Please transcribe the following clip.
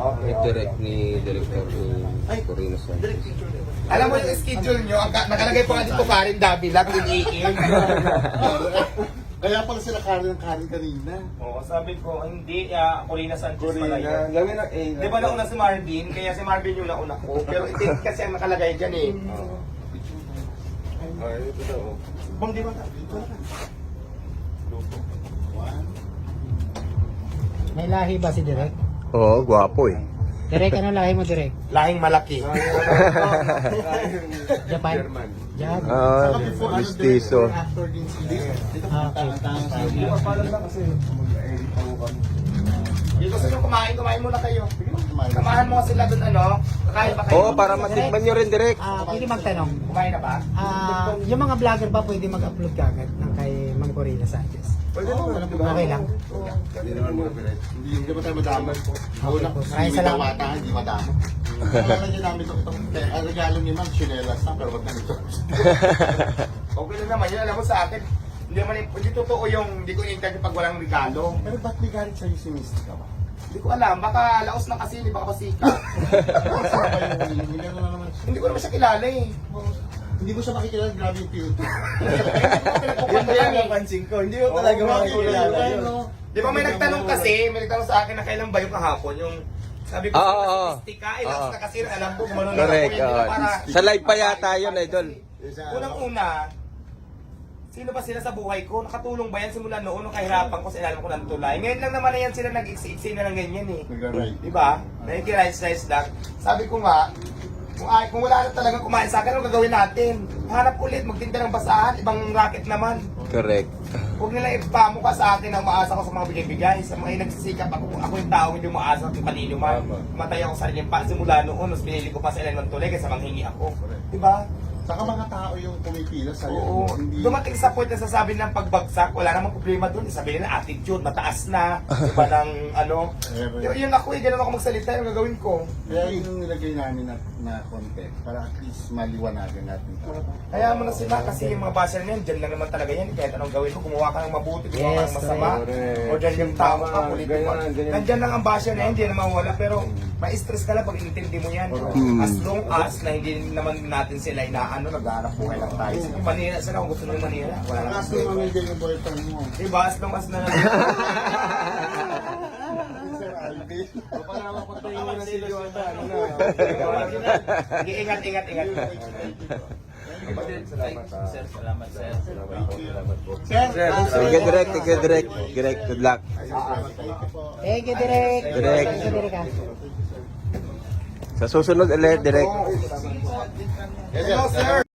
Ni direct ni Director Corino sa. Alam mo yung schedule nyo, nakalagay pa nga dito Karen Davila, 10 AM. Kaya pala sila Karen kanina. Oo, sabi ko, hindi, Corina Sanchez pala Corina, yun. lagyan ng A. Di ba nauna si Marvin? Kaya si Marvin yung nauna ko. Pero itin kasi ang nakalagay dyan eh. Ay, ito daw. Bang di ba? Dito na. May lahi ba si Direk? Oo, gwapo eh. Direk, ano lahi mo, Direk? Lahing malaki. Japan? German. Japan. Ah, mistiso. After din sila. Dito Okay. Dito gusto nyo kumain muna kayo. Kamahan mo sila dun kakain ba kayo? Oo, para matikman nyo rin direct. Pwede magtanong. Kumain na ba? Yung mga vlogger ba pwede mag-upload kagad ng kay Ma'am Corina Sanchez? Pwede naman. Okay lang. Hindi naman muna pala. Hindi ba tayo madamay po? Una, Maraming hindi salamat. dawata, hindi madamo. Kailangan niya namin itong ang regalo ni Ma'am, chinelas na, pero wag na nito. Okay lang naman yun. Alam mo sa akin, hindi totoo yung hindi ko in-intend pag walang regalo. Pero ba't may galit sa'yo si Mystica ba? Hindi ko alam, baka laos na kasi, hindi baka pasika. Saan ba yung milyon na naman? Hindi ko naman siya kilala eh. Hindi mo siya makikilala, grabe yung beauty. Pinagpupunta yan eh. napansin ko, hindi mo talaga makikilala yun. Di ba may nagtanong kasi, may nagtanong sa akin na kailan ba yung kahapon, yung sabi ko Oo. statistika, laos na kasi alam ko gumano na Correct. ako, hindi na para... Sa live pa yata yun, idol. Unang-una, sino ba sila sa buhay ko? Nakatulong ba yan simula noon nung kahirapan ko sa ilalim ko ng tulay? Ngayon lang naman na yan sila nag-iksi-iksi na ng ganyan eh. Di ba? Nakikirice-rice lang. Sabi ko nga, kung wala na talagang kumain sa akin, ano gagawin natin? Hanap ulit, magtinda ng basahan, ibang racket naman. Correct. Huwag nila ipamukha sa akin ang maasa ko sa mga bigay-bigay. Sa mga nagsisikap ako yung tao hindi umaasa kung kanino man. Matay ako sa sariling pa. Simula noon, mas pinili ko pa sa ilan ng tulay kaysa manghingi ako. Diba? Saka mga tao yung pumipila sa'yo. Oo. Hindi... Dumating sa point na sasabi ng pagbagsak, wala namang problema doon. Sabihin nila attitude, mataas na. Diba ng ano. Yun ako ganun ako magsalita, yung gagawin ko. Kaya yun yung nilagay namin na context para at least maliwanagan natin. Kaya mo na sila kasi yung mga basher na yan, dyan lang naman talaga yan. Kahit anong gawin mo, gumawa ka ng mabuti, gumawa ka ng masama. correct. O dyan yung tama ka, politiko. Ganyan. Nandyan lang ang basher na yan, hindi na mawala. Pero ma-stress ka lang pag inintindi mo yan. As long as na hindi naman natin sila inaano, nag-aanap buhay lang tayo. Sige, manira sila kung gusto nyo manira. Wala lang. Kaso mamigay yung boyfriend mo. Diba? As long as na Sir Alvin. Sige, ingat. Sir, salamat sir. Sige direct, sige direct. Direct, good luck. Thank you, Direk. Direk. Thank you, Direk. Sa susunod ulit, direct. Hello, sir.